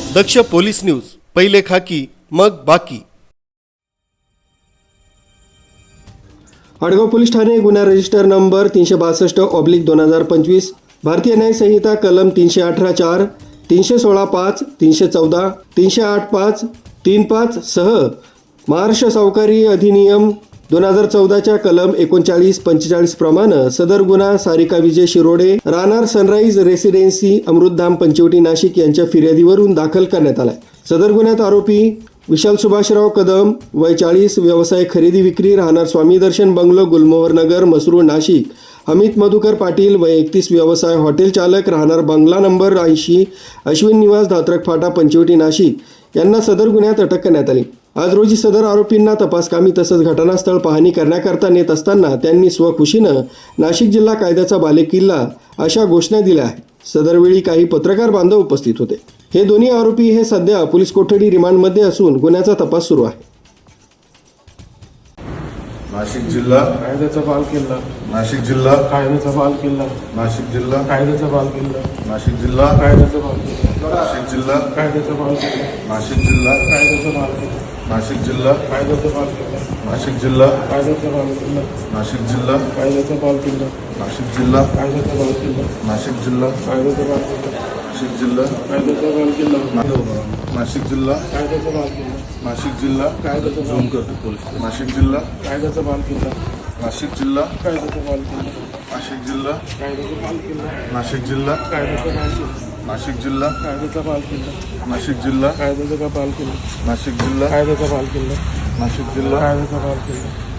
दक्ष police news, पहिले खाकी मग बाकी। आडगाव पोलीस ठाणे गुन्हा रजिस्टर नंबर 362/2025, भारतीय न्याय संहिता कलम 318(4), 316(5), 314, 308(5), 35 सह महाराष्ट्र सावकारी अधिनियम 2014च्या कलम 39-45 प्रमाणे सदर गुन्हा सारिका विजय शिरोडे राहणार सनराईज रेसिडेन्सी अमृतधाम पंचवटी नाशिक यांच्या फिर्यादीवरून दाखल करण्यात आला। सदर गुन्ह्यात आरोपी विशाल सुभाषराव कदम वय 40, व्यवसाय खरेदी विक्री, राहणार स्वामी दर्शन बंगलो, गुलमोहर नगर, मसरूळ नाशिक, अमित मधुकर पाटील वय 31, व्यवसाय हॉटेल चालक, राहणार बंगला नंबर 80, अश्विन निवास, धात्रक फाटा, पंचवटी नाशिक यांना सदर गुन्ह्यात अटक करण्यात आली। आज रोजी सदर आरोपींना तपासकामी तसंच घटनास्थळ पाहणी करण्याकरता नेत असताना त्यांनी स्वखुशीनं नाशिक जिल्हा कायद्याचा बालेकिल्ला अशा घोषणा दिल्या आहेत। सदरवेळी काही पत्रकार बांधव उपस्थित होते। हे दोन्ही आरोपी हे सध्या पोलीस कोठडी रिमांडमध्ये असून गुन्ह्याचा तपास सुरू आहे। नाशिक जिल्हा कायद्याचा बालेकिल्ला, नाशिक जिल्हा कायद्याचा बालेकिल्ला, नाशिक जिल्हा कायद्याचा बालेकिल्ला, नाशिक जिल्हा कायद्याचा बालेकिल्ला, नाशिक जिल्हा कायद्याचा बालेकिल्ला, नाशिक जिल्हा कायद्याचा बालेकिल्ला, नाशिक जिल्हा कायद्याचा बालेकिल्ला, नाशिक जिल्हा कायद्याचा बालेकिल्ला, नाशिक जिल्हा कायद्याचा बालेकिल्ला, नाशिक जिल्हा कायद्याचा बालेकिल्ला, नाशिक जिल्हा कायद्याचा बालेकिल्ला, नाशिक जिल्हा कायद्याचा बालेकिल्ला, नाशिक जिल्हा कायद्याचा बालेकिल्ला, नाशिक जिल्हा कायद्याचा नाशिक जिल्हा कायद्याचा बालेकिल्ला, नाशिक जिल्हा कायद्याचा बालेकिल्ला, नाशिक जिल्हा कायद्याचा बालेकिल्ला, नाशिक जिल्हा कायद्याचा बालेकिल्ला, नाशिक जिल्हा कायद्याचा बालेकिल्ला, नाशिक जिल्हा कायद्याचा बालेकिल्ला, नाशिक जिल्हा कायद्याचा बालेकिल्ला, नाशिक जिल्हा कायद्याचा बालेकिल्ला,